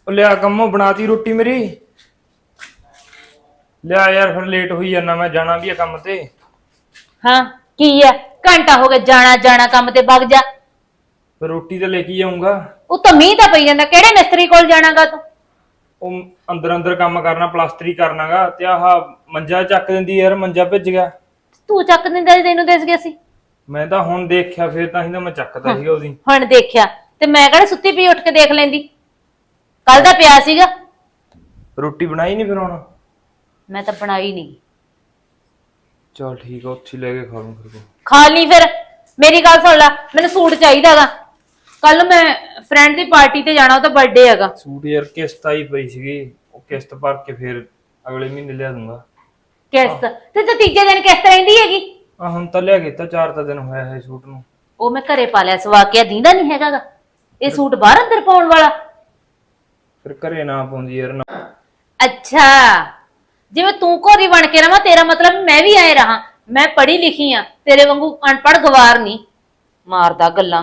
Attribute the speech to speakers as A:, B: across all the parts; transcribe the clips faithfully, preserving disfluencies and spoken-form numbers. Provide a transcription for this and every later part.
A: ਉਹ ਲਿਆ ਕੰਮੋਂ ਬਣਾਤੀ ਰੋਟੀ ਮੇਰੀ। ਲਿਆ ਯਾਰ ਫਿਰ ਲੇਟ ਹੋਈ ਜਾਣਾ, ਮੈਂ ਜਾਣਾ ਵੀ ਆ ਕੰਮ ਤੇ।
B: ਹਾਂ ਕੀ ਆ, ਘੰਟਾ ਹੋ ਗਿਆ ਜਾਣਾ ਜਾਣਾ ਕੰਮ ਤੇ ਵਗ ਜਾ।
A: ਫਿਰ ਰੋਟੀ ਤਾਂ ਲੈ ਕੇ ਆਉਂਗਾ।
B: ਉਹ ਤਾਂ ਮੀਂਹ ਤਾਂ ਪਈ ਜਾਂਦਾ, ਕਿਹੜੇ ਮਿਸਤਰੀ ਕੋਲ ਜਾਣਾਗਾ ਤੂੰ?
A: ਉਹ ਅੰਦਰ ਅੰਦਰ ਕੰਮ ਕਰਨਾ, ਪਲਾਸਟਰੀ ਕਰਨਾਗਾ। ਤੇ ਆਹ ਮੰਜਾ ਚੱਕ ਦਿੰਦੀ ਯਾਰ, ਮੰਜਾ ਭਿੱਜ ਗਿਆ।
B: ਤੂੰ ਚੱਕ ਦਿੰਦਾ ਸੀ, ਤੈਨੂੰ ਦਿਸ ਗਿਆ ਸੀ?
A: ਮੈਂ ਤਾਂ ਹੁਣ ਦੇਖਿਆ, ਫਿਰ ਤਾਂ ਹੀ ਤਾਂ ਮੈਂ ਚੱਕਦਾ ਸੀਗਾ ਉਹਦੀ।
B: ਹੁਣ ਦੇਖਿਆ ਤੇ ਮੈਂ ਕਿਹੜਾ ਸੁੱਤੀ ਪਈ ਉੱਠ ਕੇ ਦੇਖ ਲੈਂਦੀ? ਕੱਲ ਦਾ ਪਿਆ ਸੀਗਾ।
A: ਰੋਟੀ ਬਣਾਈ ਨਹੀਂ ਫਿਰ ਹੁਣ?
B: ਮੈਂ ਤਾਂ ਬਣਾਈ ਨਹੀਂ।
A: ਚਲ ਠੀਕ ਆ, ਉੱਥੇ ਲੈ ਕੇ ਖਾ ਲੂੰ ਫਿਰ।
B: ਖਾ ਲਈ ਫਿਰ। ਮੇਰੀ ਗੱਲ ਸੁਣ ਲੈ, ਮੈਨੂੰ ਸੂਟ ਚਾਹੀਦਾਗਾ। ਕੱਲ ਮੈਂ ਫਰੈਂਡ ਦੀ ਪਾਰਟੀ ਤੇ ਜਾਣਾ, ਉਹਦਾ ਬਰਥਡੇ ਹੈਗਾ।
A: ਸੂਟ ਯਾਰ ਕਿਸ਼ਤ ਆਈ ਪਈ ਸੀਗੀ, ਉਹ ਕਿਸ਼ਤ ਭਰ ਕੇ ਫਿਰ ਅਗਲੇ ਮਹੀਨੇ ਲਿਆ ਦੂੰਗਾ।
B: ਕਿਸ਼ਤ ਤੇ ਤਾਂ ਤੀਜੇ ਦਿਨ ਕਿਸ਼ਤ ਰਹਿੰਦੀ ਹੈਗੀ।
A: ਆ ਹੁਣ ਤਾਂ ਲਿਆ ਕੀਤਾ, ਚਾਰ ਤਾਂ ਦਿਨ ਹੋਇਆ ਹੈ ਸੂਟ ਨੂੰ।
B: ਉਹ ਮੈਂ ਘਰੇ ਪਾ ਲਿਆ, ਸਵਾ ਕੇ ਦੀਂਦਾ ਨਹੀਂ ਹੈਗਾਗਾ। ਇਹ ਸੂਟ ਬਾਹਰ ਅੰਦਰ ਪਾਉਣ ਵਾਲਾ।
A: ਫਿਰ ਘਰੇ ਨਾ ਪਾਉਂਦੀ ਯਾਰ ਨਾ।
B: ਅੱਛਾ, ਜਿਵੇਂ ਤੂੰ ਘੋਰੀ ਬਣ ਕੇ ਰਵਾਂ, ਤੇਰਾ ਮਤਲਬ ਮੈਂ ਵੀ ਆਏ ਰਹਾ। ਮੈਂ ਪੜ੍ਹੀ ਲਿਖੀ ਆ, ਤੇਰੇ ਵਾਂਗੂ ਅਨਪੜ੍ਹ ਗਵਾਰ ਨਹੀਂ ਮਾਰਦਾ ਗੱਲਾਂ।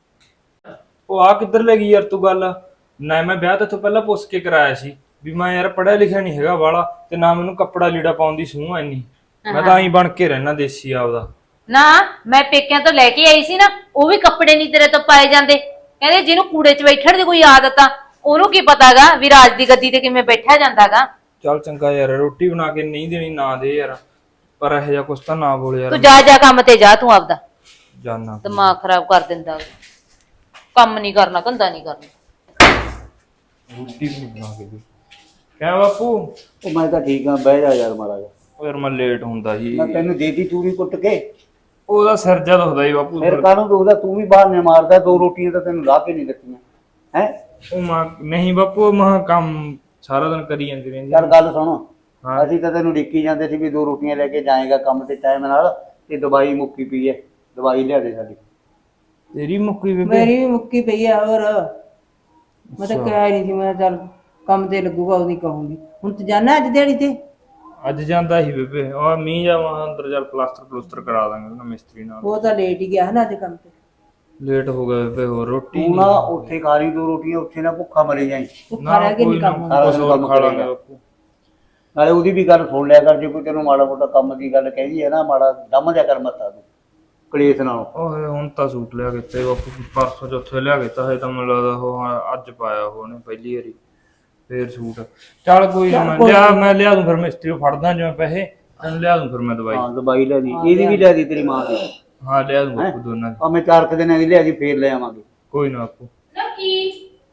A: ਉਹ ਆ ਕਿੱਧਰ ਲੈ ਗਈ ਯਾਰ ਤੂੰ ਗੱਲ? ਨਾ ਮੈਂ ਵਿਆਹ ਤੋਂ ਪਹਿਲਾਂ ਪੁੱਛ ਕੇ ਕਰਾਇਆ ਸੀ ਵੀ ਮੈਂ ਯਾਰ ਪੜ੍ਹਿਆ ਲਿਖਿਆ ਨਹੀਂ ਹੈਗਾ ਵਾਲਾ, ਤੇ ਨਾ ਮੈਨੂੰ ਕੱਪੜਾ ਲੀੜਾ ਪਾਉਣ ਦੀ ਸੂਹ ਐਨੀ। ਮੈਂ ਤਾਂ ਐਂ ਬਣ ਕੇ ਰਹਿਣਾ ਦੇਸੀ ਆਪਦਾ।
B: ਨਾ ਮੈਂ ਪੇਕਿਆਂ ਤੋਂ ਲੈ ਕੇ ਆਈ ਸੀ ਨਾ, ਉਹ ਵੀ ਕੱਪੜੇ ਨਹੀਂ ਤੇਰੇ ਤੋਂ ਪਾਏ ਜਾਂਦੇ। ਕਹਿੰਦੇ ਜਿਹਨੂੰ ਕੂੜੇ 'ਚ ਬੈਠਣ ਦੀ ਕੋਈ ਆਦਤ ਆ, ਉਹਨੂੰ ਕੀ ਪਤਾਗਾ ਵੀ ਰਾਜ ਦੀ ਗੱਦੀ ਤੇ ਕਿਵੇਂ ਬੈਠਾ ਜਾਂਦਾਗਾ।
A: ਚੱਲ ਚੰਗਾ ਯਾਰ, ਰੋਟੀ ਬਣਾ ਕੇ ਨਹੀਂ ਦੇਣੀ ਨਾ ਦੇ ਯਾਰ, ਪਰ ਇਹੋ ਜਿਹਾ ਕੁਛ ਤਾਂ ਨਾ ਬੋਲ ਯਾਰ।
B: ਤੂੰ ਜਾ ਜਾ ਕੰਮ ਤੇ ਜਾ, ਤੂੰ ਆਪਦਾ
A: ਜਾਨਾ।
B: ਦਿਮਾਗ ਖਰਾਬ ਕਰ ਦਿੰਦਾ। ਕੰਮ ਨਹੀਂ ਕਰਨਾ, ਧੰਦਾ ਨਹੀਂ ਕਰਨਾ।
A: ਰੋਟੀ ਵੀ ਬਣਾ ਕੇ ਦੇ। ਕਿਆ ਬਾਪੂ?
C: ਉਹ ਮੈਂ ਤਾਂ ਠੀਕ ਆ, ਬਹਿ ਜਾ ਯਾਰ ਮਾੜਾ ਜਾ।
A: ਉਹ ਯਾਰ ਮੈਂ ਲੇਟ ਹੁੰਦਾ ਜੀ।
C: ਮੈਂ ਤੈਨੂੰ ਦੇਤੀ ਚੂਰੀ ਕੁੱਟ ਕੇ।
A: ਉਹਦਾ ਸਿਰ ਜਦ ਦੁਖਦਾ ਜੀ ਬਾਪੂ।
C: ਫਿਰ ਕਾਹਨੂੰ ਦੁਖਦਾ? ਤੂੰ ਵੀ ਬਾਹਰ ਨੇ ਮਾਰਦਾ, ਦੋ ਰੋਟੀਆਂ ਤਾਂ ਤੈਨੂੰ ਲਾ ਕੇ ਨਹੀਂ ਦਿੱਤੀਆਂ ਹੈ।
A: ਉਹ ਮਾਂ ਨਹੀਂ ਬਾਪੂ, ਮਾਂ ਕੰਮ ਸਾਰਾ ਦਿਨ ਕਰੀ ਜਾਂਦੀ ਰਹਿੰਦੀ।
C: ਚੱਲ ਗੱਲ ਸੁਣੋ,
A: ਹਾਂ।
C: ਅਸੀਂ ਤਾਂ ਤੈਨੂੰ ਡਿੱਕੀ ਜਾਂਦੇ ਸੀ ਵੀ ਦੋ ਰੋਟੀਆਂ ਲੈ ਕੇ ਜਾਏਗਾ ਕੰਮ ਤੇ ਟਾਈਮ ਨਾਲ, ਤੇ ਦਵਾਈ ਮੁੱਕੀ ਪਈ ਹੈ, ਦਵਾਈ ਲਿਆ ਦੇ ਸਾਡੀ।
A: ਤੇਰੀ ਮੁੱਕੀ ਬੇਬੇ?
D: ਮੇਰੀ ਵੀ ਮੁੱਕੀ ਪਈ ਆ। ਹੋਰ ਮੈਂ ਤਾਂ ਕਹਿ ਨਹੀਂ ਸੀ, ਮੈਂ ਚੱਲ ਕੰਮ ਤੇ ਲੱਗੂਗਾ ਉਹਦੀ ਕਹੂੰਗੀ। ਹੁਣ ਤੂੰ ਜਾਣਾ ਅੱਜ ਦਿਹਾੜੀ ਤੇ?
A: ਅੱਜ ਜਾਂਦਾ ਸੀ ਬੇਬੇ, ਉਹ ਮੀਂਹ ਜਾਵਾਂ ਅੰਦਰ, ਚੱਲ ਪਲਾਸਟਰ ਪਲੂਸਟਰ ਕਰਾ ਦਾਂਗੇ ਨਾ ਮਿਸਤਰੀ ਨਾਲ।
D: ਉਹ ਤਾਂ ਲੇਟ ਹੀ ਗਿਆ ਹੈ ਨਾ ਅੱਜ ਕੰਮ ਤੇ।
A: ਲੇਟ ਹੋ ਗਿਆ ਬੇਬੇ। ਹੋਰ ਰੋਟੀ
C: ਤੂੰ ਨਾ ਉੱਥੇ ਖਾ ਲਈ ਦੋ ਰੋਟੀਆਂ, ਉੱਥੇ ਨਾ ਭੁੱਖਾ ਮਰੇ ਜਾਈ।
D: ਭੁੱਖਾ ਰਹਿ ਕੇ ਨਹੀਂ ਕੰਮ ਹੁੰਦਾ।
C: ਸਾਰਾ ਦਿਨ ਕੰਮ
A: ਖਾ ਲਾਂਗੇ
C: ਕਰੇਗਾ।
A: ਬਾਪੂ।
C: ਨਾਲੇ ਉਹਦੀ ਵੀ ਗੱਲ ਸੁਣ ਲਿਆ ਕਰ, ਜੇ ਕੋਈ ਤੈਨੂੰ ਮਾੜਾ ਮੋਟਾ ਕੰਮ ਦੀ ਗੱਲ ਕਹਿੰਦੀ ਹੈ ਨਾ, ਮਾੜਾ ਦਮ ਦਿਆ ਕਰ ਮੱਥਾ ਤੂੰ ਕਲੇਸ਼ ਨਾਲੋਂ।
A: ਓਏ ਹੁਣ ਤਾਂ ਸੂਟ ਲਿਆ ਕੇ ਤੇ ਬਾਪੂ, ਪਰਸੋਂ ਚੌਥੇ ਲਿਆ ਕੇ ਤਾਂ ਹਜੇ ਤਾਂ ਮੈਨੂੰ ਲੱਗਦਾ ਉਹ ਅੱਜ ਪਾਇਆ ਉਹਨੇ ਪਹਿਲੀ ਵਾਰੀ। ਫੇਰ ਸੂਟ ਚੱਲ ਕੋਈ ਨਾ, ਮੈਂ ਲਿਆ ਮੈਂ ਲਿਆ ਦੂੰ ਫਿਰ, ਮਿਸਤਰੀ ਨੂੰ ਫੜਦਾ ਜਿਵੇਂ ਪੈਸੇ, ਤੈਨੂੰ ਲਿਆ ਦੂੰ ਫਿਰ ਮੈਂ ਦਵਾਈ।
C: ਹਾਂ ਦਵਾਈ ਲੈ ਦੀ, ਇਹਦੀ ਵੀ ਲੈ ਦੀ ਤੇਰੀ ਮਾਂ ਦੀ।
A: ਹਾਂ ਲਿਆ ਦੂੰ ਬਾਪੂ ਦੋਨਾਂ ਦੀ।
C: ਆ ਮੈਂ ਚਾਰ ਕੁ ਦਿਨਾਂ ਦੀ ਲਿਆ ਦੀ, ਫੇਰ ਲੈ ਆਵਾਂਗੇ।
A: ਕੋਈ ਨਾ ਬਾਪੂ।
B: ਨਾ ਕੀ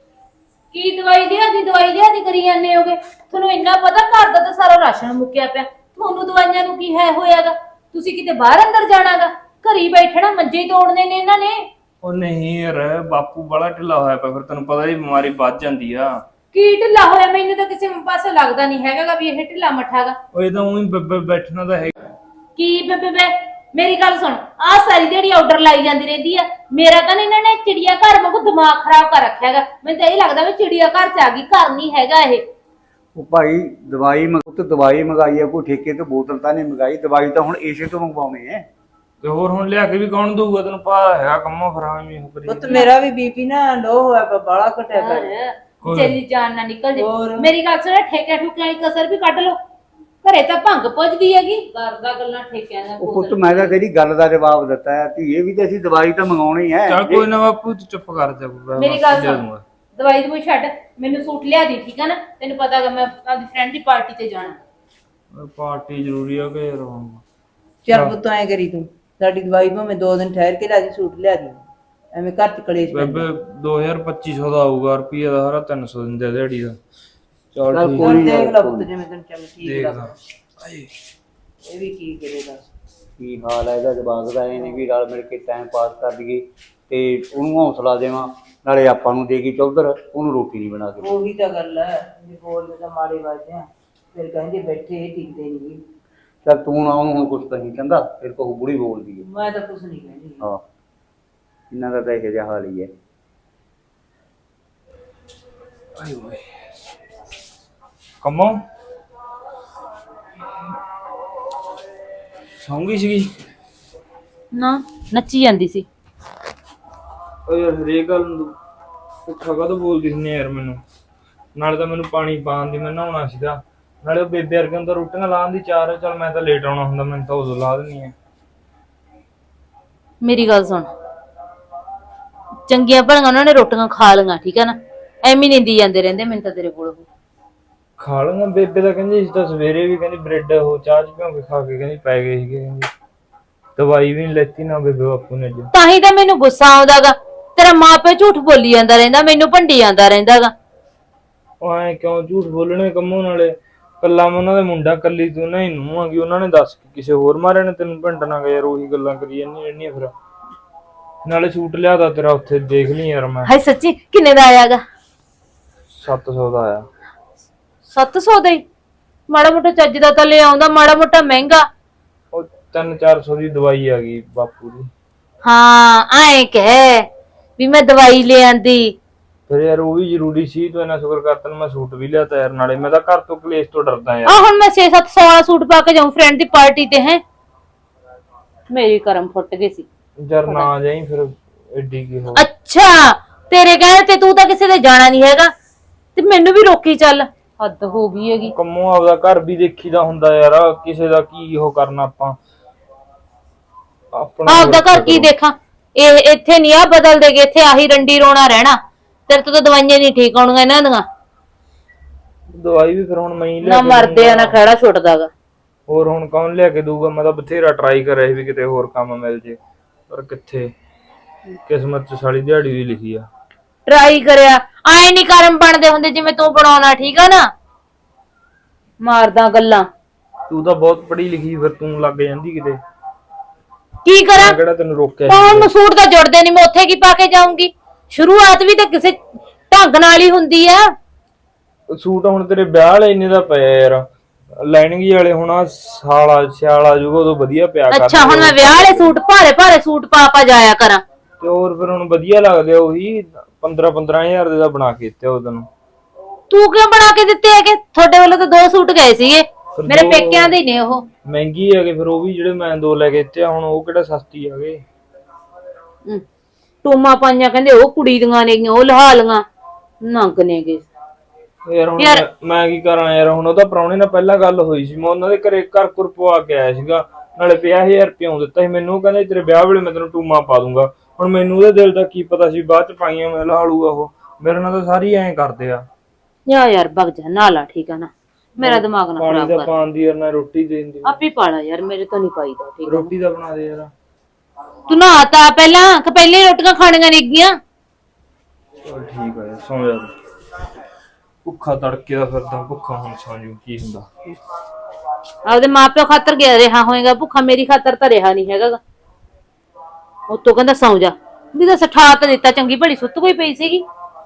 B: ਕੀ ਦਵਾਈ ਲਿਆਦੀ ਦਵਾਈ ਲਿਆਦੀ ਕਰੀ ਜਾਂਦੇ ਹੋਗੇ? ਤੁਹਾਨੂੰ ਇੰਨਾ ਪਤਾ ਘਰ ਦਾ ਤਾਂ ਸਾਰਾ ਰਾਸ਼ਨ ਮੁੱਕਿਆ ਪਿਆ, ਤੁਹਾਨੂੰ ਦਵਾਈਆਂ ਨੂੰ ਕੀ ਹੈ ਹੋਇਆਗਾ? ਤੁਸੀਂ ਕਿਤੇ ਬਾਹਰ ਅੰਦਰ ਜਾਣਾਗਾ? ਘਰੀ ਬੈਠਣਾ, ਮੰਜੇ ਹੀ ਤੋੜਨੇ ਨੇ ਇਹਨਾਂ ਨੇ।
A: ਉਹ ਨਹੀਂ ਯਾਰ, ਬਾਪੂ ਬੜਾ ਢਿੱਲਾ ਹੋਇਆ ਪਿਆ, ਫਿਰ ਤੈਨੂੰ ਪਤਾ ਹੀ ਬਿਮਾਰੀ ਵੱਧ ਜਾਂਦੀ ਆ।
B: ਕੀ ਢਿੱਲਾ ਹੋਇਆ? ਮੈਨੂੰ ਤਾਂ ਕਿਸੇ ਪਾਸੇ ਲੱਗਦਾ ਨਹੀਂ ਹੈਗਾ ਵੀ ਇਹ ਢਿੱਲਾ ਮੱਠਾਗਾ।
A: ਉਹ ਇਹ ਤਾਂ ਉਹੀ ਬੈਠਣਾ ਤਾਂ ਹੈ।
B: ਕੀ ਬੇ ਬੇ ਮੇਰੀ ਗੱਲ ਸੁਣ, ਆਹ ਸਾਰੀ ਦਿਹਾੜੀ ਆਰਡਰ ਲਾਈ ਜਾਂਦੀ ਰਹਿੰਦੀ ਆ। ਮੇਰਾ ਤਾਂ ਇਹਨਾਂ ਨੇ ਚਿੜੀਆ ਘਰ ਵਾਂਗੂ ਦਿਮਾਗ ਖਰਾਬ ਕਰ ਰੱਖਿਆਗਾ। ਮੈਨੂੰ ਤਾਂ ਇਹ ਲੱਗਦਾ ਵੀ ਚਿੜੀਆ ਘਰ ਚ ਆ ਗਈ, ਘਰ ਨਹੀਂ ਹੈਗਾ ਇਹ।
C: ਉਹ ਭਾਈ ਦਵਾਈ ਮੰਗ ਤੇ ਦਵਾਈ ਮੰਗਾਈ ਆ, ਕੋਈ ਠੇਕੇ ਤੋਂ ਬੋਤਲ ਤਾਂ ਨਹੀਂ ਮੰਗਾਈ। ਦਵਾਈ ਤਾਂ ਹੁਣ ਏਸੇ ਤੋਂ ਮੰਗਵਾਉਣੀ ਹੈ।
A: ਤੇ ਹੋਰ ਹੁਣ ਲਿਆ ਕੇ ਵੀ ਕੌਣ ਦਊਗਾ? ਤੈਨੂੰ ਪਤਾ ਹੈਗਾ ਕੰਮੋਂ ਖਰਾਬ ਹੀ ਹੋ ਕਰੀ।
D: ਪੁੱਤ ਮੇਰਾ ਵੀ ਬੀਪੀ ਨਾ ਲੋ ਹੋਇਆ ਪਿਆ, ਬਾਲਾ ਘਟਿਆ ਪਿਆ।
B: ਚੱਲੀ ਜਾਨ ਨਾ ਨਿਕਲ ਜੇ।
D: ਹੋਰ।
B: ਮੇਰੀ ਗੱਲ ਸੁਣ, ਠੇਕੇ ਠੁਕੇ ਵਾਲੀ ਕਸਰ ਵੀ ਕੱਢ ਲੋ। ਘਰੇ ਤਾਂ ਭੰਗ ਪੁੱਜਦੀ ਹੈਗੀ, ਕਰਦਾ ਗੱਲਾਂ ਠੇਕਿਆਂ ਦਾ।
C: ਉਹ ਪੁੱਤ ਮੈਂ ਤਾਂ ਤੇਰੀ ਗੱਲ ਦਾ ਜਵਾਬ ਦਿੱਤਾ ਹੈ, ਧੀਏ ਵੀ ਤੇ ਅਸੀਂ ਦਵਾਈ ਤਾਂ ਮੰਗਾਉਣੀ ਹੈ।
A: ਚੱਲ ਕੋਈ ਨਾ ਬਾਪੂ, ਤੂੰ ਚੁੱਪ ਕਰ ਜਾ।
B: ਮੇਰੀ ਗੱਲ ਸੁਣ, ਦਵਾਈ ਦਵਾਈ ਛੱਡ, ਮੈਨੂੰ ਸੂਟ ਲਿਆ ਦੀ, ਠੀਕ ਆ ਨਾ? ਤੈਨੂੰ ਪਤਾ ਹੈਗਾ ਮੈਂ ਆਪਣੀ ਫਰੈਂਡ ਦੀ ਪਾਰਟੀ ਤੇ ਜਾਣਾ।
A: ਪਾਰਟੀ ਜ਼ਰੂਰੀ ਆ ਕਿ ਯਾਰ?
D: ਚੱਲ ਪੁੱਤ ਐ ਕਰੀ ਤੂੰ, ਸਾਡੀ ਦਵਾਈ ਭਾਵੇਂ ਦੋ ਦਿਨ ਠਹਿਰ ਕੇ ਲੈ ਜੀ, ਸੂਟ ਲਿਆ ਦੀ। ਐਵੇਂ ਘਰ ਚ ਕਲੇਸ਼
A: ਬੇਬੇ ਦੋ ਹਜ਼ਾਰ ਪੱਚੀ ਸੌ ਦਾ ਆਊਗਾ, ਰੁਪਈਆ ਦਾ ਸਾਰਾ ਤਿੰਨ ਸੌ ਦਿੰਦੇ ਦਿਹਾੜੀ ਦਾ। ਚੱਲ
C: ਚੱਲ
A: ਠੀਕ
C: ਕੋਈ ਨੀ,
D: ਦੇਖ ਲੈ ਪੁੱਤ ਜਿਵੇਂ ਤੈਨੂੰ ਚੱਲ ਠੀਕ
A: ਦੇਖਦਾ।
D: ਲੱਗਦਾ। ਇਹ ਵੀ ਕੀ ਕਰੇਗਾ?
C: ਕੀ ਹਾਲ ਹੈ ਇਹਦਾ ਜਵਾਬ ਦਾ? ਇਹ ਨਹੀਂ ਵੀ ਰਲ ਮਿਲ ਕੇ ਟਾਈਮ ਪਾਸ ਕਰ ਦਈਏ ਤੇ ਉਹਨੂੰ ਹੌਸਲਾ ਦੇਵਾਂ, ਨਾਲੇ ਆਪਾਂ ਨੂੰ ਦੇਗੀ ਚੌਧਰ, ਉਹਨੂੰ ਰੋਟੀ ਨਹੀਂ ਬਣਾ ਕੇ।
D: ਉਹੀ ਤਾਂ ਗੱਲ ਹੈ, ਜੇ ਬੋਲਦੇ ਤਾਂ ਮਾੜੇ ਵੱਜਦੇ ਆ, ਫਿਰ ਕਹਿੰਦੇ ਬੈਠੇ ਇਹ ਟਿਕਦੇ ਨਹੀਂ।
C: ਚੱਲ ਤੂੰ ਨਾ ਉਹਨੂੰ ਹੁਣ ਕੁਛ ਤਾਂ ਨਹੀਂ ਕਹਿੰਦਾ, ਫਿਰ ਕਹੂ ਬੁੜੀ ਬੋਲਦੀ ਹੈ।
D: ਮੈਂ ਤਾਂ ਕੁਛ ਨਹੀਂ ਕਹਿੰਦੀ।
C: ਹਾਂ ਇਹਨਾਂ ਦਾ ਤਾਂ ਇਹੋ ਜਿਹਾ ਹਾਲ ਹੀ ਹੈ।
A: ਆਏ ਓਏ ਕੰਮੋਂ ਸੌਂਗੀ ਸੀਗੀ
B: ਨਾ ਨੱਚੀ ਜਾਂਦੀ ਸੀ।
A: ਓ ਯਾਰ ਹਰੇਕ ਗੱਲ ਨੂੰ ਪੁੱਠਾ ਕਾਹਤੋਂ ਬੋਲਦੀ ਸੀ ਯਾਰ ਮੈਨੂੰ? ਨਾਲੇ ਤਾਂ ਮੈਨੂੰ ਪਾਣੀ ਪਾਣ ਦੀ ਮੈਂ ਨਹਾਉਣਾ ਸੀਗਾ, ਨਾਲੇ ਉਹ ਬੇਬੇ ਵਰਗੇ ਨੂੰ ਤਾਂ ਰੋਟੀਆਂ ਲਾਉਣ ਦੀ ਚਾਰ ਹੈ, ਚਲ ਮੈਂ ਤਾਂ ਲੇਟ ਆਉਣਾ ਹੁੰਦਾ, ਮੈਨੂੰ ਤਾਂ ਉਦੋਂ ਲਾ ਦੇਣੀ ਹੈ।
B: ਮੇਰੀ ਗੱਲ ਸੁਣ, ਚੰਗੀਆਂ ਭਲੀਆਂ ਉਹਨਾਂ ਨੇ ਰੋਟੀਆਂ ਖਾ ਲਈਆਂ, ਠੀਕ ਹੈ ਨਾ, ਐਵੇਂ ਨਿੰਦੀ ਜਾਂਦੇ ਰਹਿੰਦੇ ਮੈਨੂੰ ਤਾਂ ਤੇਰੇ ਕੋਲ ਉਹ।
A: ਖਾ ਲੂੰਗਾ, ਬੇਬੇ ਤਾਂ ਕਹਿੰਦੀ ਸੀ ਤਾਂ ਸਵੇਰੇ ਵੀ ਕਹਿੰਦੀ ਬ੍ਰੈਡ ਉਹ ਚਾਹ ਚ ਭਿਉਂ ਕੇ ਖਾ ਕੇ ਕਹਿੰਦੀ ਪੈ ਗਏ ਸੀਗੇ, ਕਹਿੰਦੀ ਦਵਾਈ ਵੀ ਨਹੀਂ ਲੈਤੀ ਨਾ ਬੇਬੇ ਬਾਪੂ ਨੇ ਅੱਜ।
B: ਤਾਂ ਹੀ ਤਾਂ ਮੈਨੂੰ ਗੁੱਸਾ ਆਉਂਦਾਗਾ, ਤੇਰਾ ਮਾਂ ਪਿਓ ਝੂਠ ਬੋਲੀ ਜਾਂਦਾ ਰਹਿੰਦਾ, ਮੈਨੂੰ ਭੰਡੀ ਜਾਂਦਾ ਰਹਿੰਦਾਗਾ।
A: ਉਹ ਐ ਕਿਉਂ ਝੂਠ ਬੋਲਣੇ ਕੰਮੋਂ, ਨਾਲੇ ਕੱਲਾ ਮੈਂ ਉਹਨਾਂ ਦਾ ਮੁੰਡਾ, ਕੱਲੀ ਤੂੰ ਨਹੀਂ ਨੂੰ ਆਂਗੀ, ਉਹਨਾਂ ਨੇ ਦੱਸ ਕੇ ਕਿਸੇ ਹੋਰ ਮਾਰੇ ਨੇ ਤੈਨੂੰ ਭੰਡਣਾ ਗਾ ਯਾਰ, ਉਹੀ ਗੱਲਾਂ ਕਰੀ ਜਾਂਦੀ ਰਹਿੰਦੀਆਂ ਫਿਰ। ਨਾਲੇ ਸੂਟ ਲਿਆਦਾ ਤੇਰਾ ਉੱਥੇ ਦੇਖ ਲਈ ਯਾਰ ਮੈਂ।
B: ਹਾਏ ਸੱਚੀ ਕਿੰਨੇ ਦਾ ਆਇਆਗਾ?
A: ਸੱਤ ਸੌ ਦਾ ਆਇਆ।
B: ਸੱਤ ਸੌ ਦਾ ਹੀ? ਮਾੜਾ ਮੋਟਾ ਚੱਜ ਦਾ ਤਾਂ ਲੈ ਆਉਂਦਾ, ਮਾੜਾ ਮੋਟਾ ਮਹਿੰਗਾ।
A: ਉਹ ਤਿੰਨ ਚਾਰ ਸੌ ਦੀ ਦਵਾਈ ਆ ਗਈ ਬਾਪੂ ਦੀ।
B: ਹਾਂ ਐਂ ਕਹਿ ਵੀ ਮੈਂ ਦਵਾਈ ਲੈ ਆਂਦੀ।
A: ਫਿਰ ਯਾਰ ਉਹ ਵੀ ਜ਼ਰੂਰੀ ਸੀ, ਤੂੰ ਇਹਨਾਂ ਸ਼ੁਕਰ ਕਰ ਤੈਨੂੰ ਮੈਂ ਸੂਟ ਵੀ ਲਿਆਤਾ ਯਾਰ, ਨਾਲੇ ਮੈਂ ਤਾਂ ਘਰ ਤੋਂ ਕਲੇਸ਼ ਤੋਂ ਡਰਦਾ ਯਾਰ।
B: ਆ ਹੁਣ ਮੈਂ ਛੇ ਸੱਤ ਸੌ ਵਾਲਾ ਸੂਟ ਪਾ ਕੇ ਜਾਉਂ ਫਰੈਂਡ ਦੀ ਪਾਰਟੀ ਤੇ, ਹੈ ਮੇਰੀ ਕਰਮ ਫੁੱਟ ਗਏ ਸੀ।
A: ਯਾਰ ਨਾ ਜਾਈ ਫਿਰ, ਐਡੀ ਕੀ ਹੋ।
B: ਅੱਛਾ ਤੇਰੇ ਕਹਿਣ ਤੇ ਤੂੰ ਤਾਂ ਕਿਸੇ ਦੇ ਜਾਣਾ ਨਹੀਂ ਹੈਗਾ ਤੇ ਮੈਨੂੰ ਵੀ ਰੋਕੀ ਚੱਲ, ਹੱਦ ਹੋ ਗਈ ਹੈਗੀ।
A: ਕੰਮੋਂ ਆਪਦਾ ਘਰ ਵੀ ਦੇਖੀਦਾ ਹੁੰਦਾ ਯਾਰ, ਕਿਸੇ ਦਾ ਕੀ ਉਹ ਕਰਨਾ ਆਪਾਂ, ਆਪਣਾ
B: ਆਪਦਾ ਘਰ ਕੀ ਦੇਖਾਂ, ਇਹ ਇੱਥੇ ਨਹੀਂ ਆ ਬਦਲ ਦੇਗੇ, ਇੱਥੇ ਆਹੀ ਰੰਡੀ ਰੋਣਾ ਰਹਿਣਾ। ਤੇਰੇ ਤੋਂ ਤਾਂ ਦਵਾਈਆਂ ਨਹੀਂ ਠੀਕ ਆਉਣੀਆਂ ਇਹਨਾਂ ਦੀਆਂ।
A: ਦਵਾਈ ਵੀ ਫਿਰ ਹੁਣ ਮੈਂ ਹੀ ਲਿਆ
B: ਨਾ
A: ਕੇ
B: ਮਰਦੇ ਆ ਨਾ
A: ਦਊਂਗਾ।
B: ਖੜਾ ਛੁੱਟਦਾਗਾ।
A: ਹੋਰ ਹੁਣ ਕੌਣ ਲਿਆ ਕੇ ਦਊਗਾ, ਮੈਂ ਤਾਂ ਬਥੇਰਾ ਟਰਾਈ ਕਰ ਰਿਹਾ ਸੀ ਵੀ ਕਿਤੇ ਹੋਰ ਕੰਮ ਮਿਲ ਜੇ, ਪਰ ਕਿੱਥੇ, ਕਿਸਮਤ ਚ ਸਾਲੀ ਦਿਹਾੜੀ ਵੀ ਲਿਖੀ ਆ।
B: ਟਰਾਈ ਕਰਿਆ, ਆਏ ਨਹੀਂ ਕਰਮ ਬਣਦੇ ਹੁੰਦੇ ਜਿਵੇਂ ਤੂੰ ਬਣਾਉਣਾ, ਠੀਕ ਆ ਨਾ। ਮਾਰਦਾ ਗੱਲਾਂ,
A: ਤੂੰ ਤਾਂ ਬਹੁਤ ਪੜ੍ਹੀ ਲਿਖੀ, ਫਿਰ ਤੂੰ ਲੱਗ ਜਾਂਦੀ ਕਿਤੇ।
B: ਕੀ ਕਰਾਂ?
A: ਮੈਂ ਕਿਹੜਾ ਤੈਨੂੰ ਰੋਕਿਆ
B: ਪਾਉਣ ਨੂੰ
A: ਸੀ?
B: ਸੂਟ ਤਾਂ ਜੁੜਦੇ ਨਹੀਂ, ਮੈਂ ਉੱਥੇ ਕੀ ਪਾ ਕੇ ਜਾਊਂਗੀ? ਸ਼ੁਰੂਆਤ ਵੀ ਤਾਂ ਕਿਸੇ ਢੰਗ ਨਾਲ ਹੀ ਹੁੰਦੀ ਆ।
A: ਸੂਟ ਹੁਣ ਤੇਰੇ ਵਿਆਹ ਵਾਲੇ ਇੰਨੇ ਦਾ ਪਿਆ ਯਾਰ, ਲਾਈਨਿੰਗ ਵਾਲੇ ਹੁਣ ਆਹ ਸਾਲਾ ਸਿਆਲ ਆ ਜਾਊਗਾ ਉਦੋਂ ਵਧੀਆ ਪਿਆ ਕਰ।
B: ਅੱਛਾ ਹੁਣ ਮੈਂ ਵਿਆਹ ਵਾਲੇ ਸੂਟ ਭਾਰੇ ਭਾਰੇ ਸੂਟ ਪਾ ਪਾ ਜਾਇਆ ਕਰਾਂ?
A: ਤੇ ਹੋਰ ਫਿਰ ਹੁਣ ਵਧੀਆ ਲੱਗਦੇ ਆ, ਉਹੀ ਪੰਦਰਾਂ ਪੰਦਰਾਂ ਹਜ਼ਾਰ ਦੇ ਦਾ ਬਣਾ ਕੇ ਦਿੱਤੇ ਉਹ ਤੈਨੂੰ।
B: ਤੂੰ ਕਿਉਂ ਬਣਾ ਕੇ ਦਿੱਤੇ ਹੈਗੇ? ਤੁਹਾਡੇ ਵੱਲੋਂ ਤਾਂ ਦੋ ਸੂਟ ਗਏ ਸੀਗੇ,
A: ਫਿਰ
B: ਮੇਰੇ
A: ਦੋ
B: ਪੇਕਿਆਂ ਦੇ ਨੇ ਉਹ।
A: ਮਹਿੰਗੀ ਹੈਗੇ ਫਿਰ ਉਹ ਵੀ, ਜਿਹੜੇ ਮੈਂ ਦੋ ਲੈ ਕੇ ਦਿੱਤੇ ਆ, ਹੁਣ ਉਹ ਕਿਹੜਾ ਸਸਤੀ ਹੈਗੇ।
B: ਹਮ, ਟੂਮਾ ਪਾਈਆਂ ਕਹਿੰਦੇ ਉਹ ਕੁੜੀ ਦੀਆਂ ਨੇਗੀਆਂ, ਉਹ ਲਹਾ ਲੀਆਂ, ਨੰਗ ਨੇਗੇ।
A: ਯਾਰ ਹੁਣ
B: ਯਾਰ-
A: ਮੈਂ- ਮੈਂ ਕੀ ਕਰਾਂ ਯਾਰ, ਹੁਣ ਉਹਦਾ ਪ੍ਰਾਹੁਣੇ ਨਾਲ ਪਹਿਲਾਂ ਗੱਲ ਹੋਈ ਸੀ, ਮੈਂ ਉਹਨਾਂ ਦੇ ਘਰੇ ਘਰ ਘੁਰ ਪਵਾ ਕੇ ਆਇਆ ਸੀਗਾ, ਨਾਲੇ ਪੰਜਾਹ ਹਜ਼ਾਰ ਰੁਪਇਆ ਦਿੱਤਾ ਸੀ ਮੈਨੂੰ। ਉਹ ਕਹਿੰਦਾ ਤੇਰੇ ਵਿਆਹ ਵੇਲੇ ਮੈਂ ਤੈਨੂੰ ਟੂਮਾ ਪਾ ਦੂੰਗਾ। ਹੁਣ ਮੈਨੂੰ ਉਹਦੇ ਦਿਲ ਦਾ ਕੀ ਪਤਾ ਸੀ, ਬਾਅਦ ਚ ਪਾਈਆਂ ਮੈਂ ਲਾ ਲੂਗਾ ਉਹ। ਮੇਰੇ ਨਾਲ ਤਾਂ ਸਾਰੀ ਐਂ ਕਰਦੇ ਆ।
B: ਯਾ ਯਾਰ ਭਗ ਜਾ ਨਾਲਾ, ਠੀਕ ਆ ਨਾ, ਮੇਰਾ ਦਿਮਾਗ ਨਾ
A: ਪਾਣੀ
B: ਖਰਾਬ
A: ਦਾ
B: ਕਰ।
A: ਪਾਣ ਦੀ ਯਾਰ, ਨਾ ਰੋਟੀ ਦੇਣ ਦੀ।
B: ਆਪੇ ਪਾਲਾ ਯਾਰ, ਮੇਰੇ ਤੋਂ ਨਹੀਂ ਪਾਈਦਾ, ਠੀਕ ਆ ਨਾ।
A: ਰੋਟੀ ਦਾ ਬਣਾ ਦੇ ਯਾਰ।
B: ਤੂੰ ਨਹਾਤਾ ਪਹਿਲਾਂ ਕਿ ਪਹਿਲੇ ਰੋਟੀਆਂ ਖਾਣੀਆਂ ਨੇਗੀਆਂ?
A: ਚਲ ਠੀਕ ਆ ਯਾਰ, ਸੌਂ ਜਾ ਤੂੰ। ਭੁੱਖਾ ਤੜਕੇ ਦਾ ਫਿਰਦਾ, ਭੁੱਖਾ ਹੁਣ ਸੌਂ ਜੂ, ਕੀ ਹੁੰਦਾ।
B: ਆਪਦੇ ਮਾਪਿਓ ਖਾਤਰ ਗਿਆ ਰਿਹਾ ਹੋਏਗਾ ਭੁੱਖਾ, ਮੇਰੀ ਖਾਤਰ ਤਾਂ ਰਿਹਾ ਨਹੀਂ ਹੈਗਾ। ਉਤੋਂ ਕਹਿੰਦਾ ਸੌਂ ਜਾ, ਵੀ ਤਾਂ ਸਠਾ ਤਾਂ ਦਿੱਤਾ, ਚੰਗੀ ਭਲੀ ਸੁੱਤ ਕੋਈ ਪਈ ਸੀਗੀ।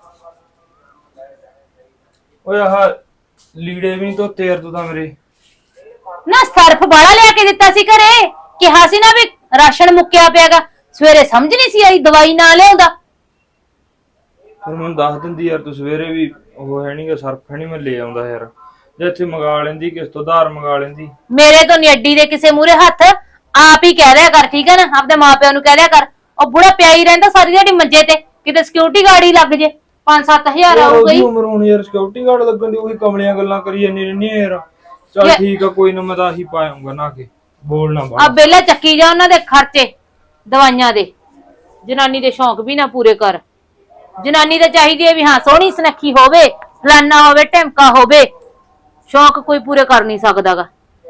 A: ਓਏ ਆਹ ਲੀੜੇ ਵੀ ਨਹੀਂ ਧੋਤੇ ਯਾਰ ਤੂੰ ਤਾਂ ਮੇਰੇ।
B: ਨਾ ਸਰਫ ਬਾਲਾ ਲਿਆ ਕੇ ਦਿੱਤਾ ਸੀ ਘਰੇ, ਕਿਹਾ ਸੀ ਨਾ ਵੀ ਰਾਸ਼ਨ ਮੁੱਕਿਆ ਪਿਆਗਾ, ਸਵੇਰੇ ਸਮਝ ਨਹੀਂ ਸੀ ਆਈ, ਦਵਾਈ ਨਾ ਲਿਆਉਂਦਾ।
A: ਫਿਰ ਮੈਨੂੰ ਦੱਸ ਦਿੰਦੀ ਯਾਰ, ਤੂੰ ਸਵੇਰੇ ਵੀ ਉਹ ਹੈ ਨੀ ਗਾ, ਸਰਫ ਹੈ ਨੀ, ਮੈਂ ਲੈ ਆਉਂਦਾ ਯਾਰ। ਜੇ ਇੱਥੇ ਮੰਗਾ ਲੈਂਦੀ, ਕਿਸ ਤੋਂ ਉਧਾਰ ਮੰਗਾ ਲੈਂਦੀ।
B: ਮੇਰੇ ਤੋਂ ਨੀ ਅੱਡੀ ਦੇ ਕਿਸੇ ਮੂਰੇ ਹੱਥ, ਆਪ ਹੀ ਕਹਿ ਦਿਆ ਕਰ, ਠੀਕ ਹੈ ਨਾ, ਆਪਦੇ ਮਾਪਿਆਂ ਨੂੰ ਕਹਿ ਦਿਆ ਕਰ। ਉਹ ਬੁੜਾ ਪਿਆ ਹੀ ਰਹਿੰਦਾ ਸਾਰੀ ਦਿਹਾੜੀ ਮੰਜੇ ਤੇ, ਕਿਤੇ ਸਿਕਿਉਰਿਟੀ ਗਾਰਡ ਹੀ ਲੱਗ ਜੇ, ਪੰਜ ਸੱਤ ਹਜ਼ਾਰ ਆਊਗਾ
A: ਉਹਦੀ
B: ਹੀ।
A: ਉਮਰ ਹੁਣ ਯਾਰ ਸਿਕਿਉਰਿਟੀ ਗਾਰਡ ਲੱਗਣ ਦੀ, ਉਹੀ ਕਮਲੀਆਂ ਗੱਲਾਂ ਕਰੀ ਜਾਂਦੀ ਰਹਿੰਦੀ ਯਾਰ। ਚੱਲ
B: ਯਾਰ-
A: ਠੀਕ ਆ, ਕੋਈ ਨਾ, ਮੈਂ ਤਾਂ ਆਹੀ ਪਾਉਂਗਾ ਨਾ ਕੇ, ਬੋਲਣਾ
B: ਆ
A: ਬਾਹਰ।
B: ਬੇਲਾ ਚੱਕੀ ਜਾ ਉਹਨਾਂ ਦੇ ਖਰਚੇ ਦਵਾਈਆਂ ਦੇ, ਜਨਾਨੀ ਦੇ ਸ਼ੌਂਕ ਵੀ ਨਾ ਪੂਰੇ ਕਰ। ਜਨਾਨੀ ਤਾਂ ਚਾਹੀਦੀ ਹੈ ਵੀ ਹਾਂ ਸੋਹਣੀ ਸੁਨੱਖੀ ਹੋਵੇ, ਫਲਾਨਾ ਹੋਵੇ, ਢਿਮਕਾ ਹੋਵੇ, ਸ਼ੌਂਕ ਕੋਈ ਪੂਰੇ ਕਰ ਨਹੀਂ ਸਕਦਾਗਾ।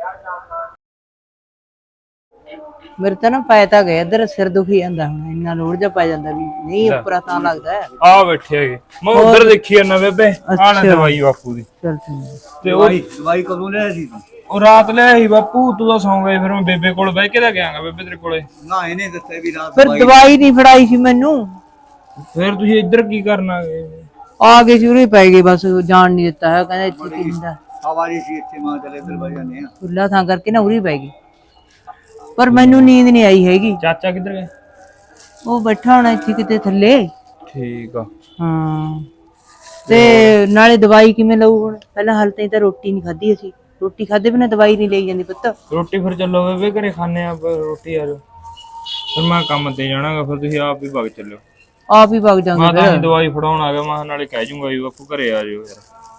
D: ਮੇਰੇ ਤਾਂ ਨਾ ਪੈ ਤਾਂ ਗਿਆ ਇੱਧਰ, ਸਿਰ ਦੁਖੀ ਜਾਂਦਾ ਹੁਣ, ਇੰਨਾ ਲੋੜ ਜਾ ਪੈ ਜਾਂਦਾ ਵੀ ਨਹੀਂ ਉੱਪਰਾ ਤਾਂ ਲੱਗਦਾ ਹੈ।
A: ਆ ਬੈਠੇ ਹੈਗੇ, ਮੈਂ ਉਧਰ ਦੇਖੀ ਜਾਂਦਾ ਬੇਬੇ, ਆਹ ਨਾ ਦਵਾਈ ਬਾਪੂ ਦੀ।
D: ਚਲ ਠੀਕ।
A: ਤੇ ਉਹ
C: ਦਵਾਈ ਕਦੋਂ ਲਿਆ ਸੀ ਤੂੰ?
A: ਉਹ ਰਾਤ ਲਿਆ ਸੀ ਬਾਪੂ, ਤੂੰ ਤਾਂ ਸੌਂ ਗਏ, ਫਿਰ ਮੈਂ ਬੇਬੇ ਕੋਲ ਬਹਿ ਕੇ ਤਾਂ ਗਿਆਗਾ, ਬੇਬੇ ਤੇਰੇ ਕੋਲੇ।
C: ਨਾ ਇਹਨੇ ਦੱਸਿਆ ਵੀ ਰਾਤ
D: ਫਿਰ ਦਵਾਈ ਨਹੀਂ ਫੜਾਈ ਸੀ ਮੈਨੂੰ,
A: ਫਿਰ ਤੁਸੀਂ ਇੱਧਰ ਕੀ ਕਰਨਾ?
D: ਆ ਗਏ ਸੀ ਉਰੇ ਪੈ ਗਏ, ਬਸ ਜਾਣ ਨਹੀਂ ਦਿੱਤਾ ਹੈ, ਕਹਿੰਦਾ ਇੱਥੇ ਕੀ ਹੁੰਦਾ।
C: ਆਵਾਰੀ ਸੀ ਇੱਥੇ, ਮਾਂ ਚਲੇ ਇੱਧਰ ਬਹਿ ਜਾਂਦੇ ਆ।
D: ਖੁੱਲਾ ਥਾਂ ਕਰਕੇ ਨਾ ਉਰੀ ਪੈ ਗਈ, ਪਰ ਮੈਨੂੰ ਨੀਂਦ ਨਹੀਂ ਆਈ ਹੈਗੀ।
A: ਚਾਚਾ ਕਿੱਧਰ ਗਏ?
D: ਉਹ ਬੈਠਾ ਹੋਣਾ ਇੱਥੇ ਕਿਤੇ ਥੱਲੇ।
A: ਠੀਕ ਆ।
D: ਹਾਂ ਤੇ ਨਾਲੇ ਦਵਾਈ ਕਿਵੇਂ ਲਊ ਹੁਣ? ਪਹਿਲਾਂ ਹਾਲ ਤਾਈਂ ਤਾਂ ਰੋਟੀ ਨਹੀਂ ਖਾਧੀ ਅਸੀਂ, ਰੋਟੀ ਖਾਦੇ ਬਿਨਾਂ ਦਵਾਈ ਨਹੀਂ ਲਈ ਜਾਂਦੀ ਪੁੱਤ।
A: ਰੋਟੀ ਫਿਰ ਚੱਲੋ ਬੇਬੇ, ਘਰੇ ਖਾਣੇ ਆ ਰੋਟੀ। ਆ ਜਾਓ, ਫਿਰ ਮੈਂ ਕੰਮ ਤੇ ਜਾਣਾਗਾ, ਫਿਰ ਤੁਸੀਂ ਆਪ ਹੀ ਵਗ ਚੱਲਿਓ।
D: ਆਪ ਹੀ ਵਗ ਜਾਂਗੇ
A: ਮੈਂ ਤਾਂ
D: ਫਿਰ।
A: ਦਵਾਈ ਫੜਾਉਣ ਆ ਗਿਆ, ਮੈਂ ਨਾਲੇ ਕਹਿ ਜੂੰਗਾ ਵੀ ਬਾਪੂ ਘਰੇ ਆ ਜਾਓ ਯਾਰ।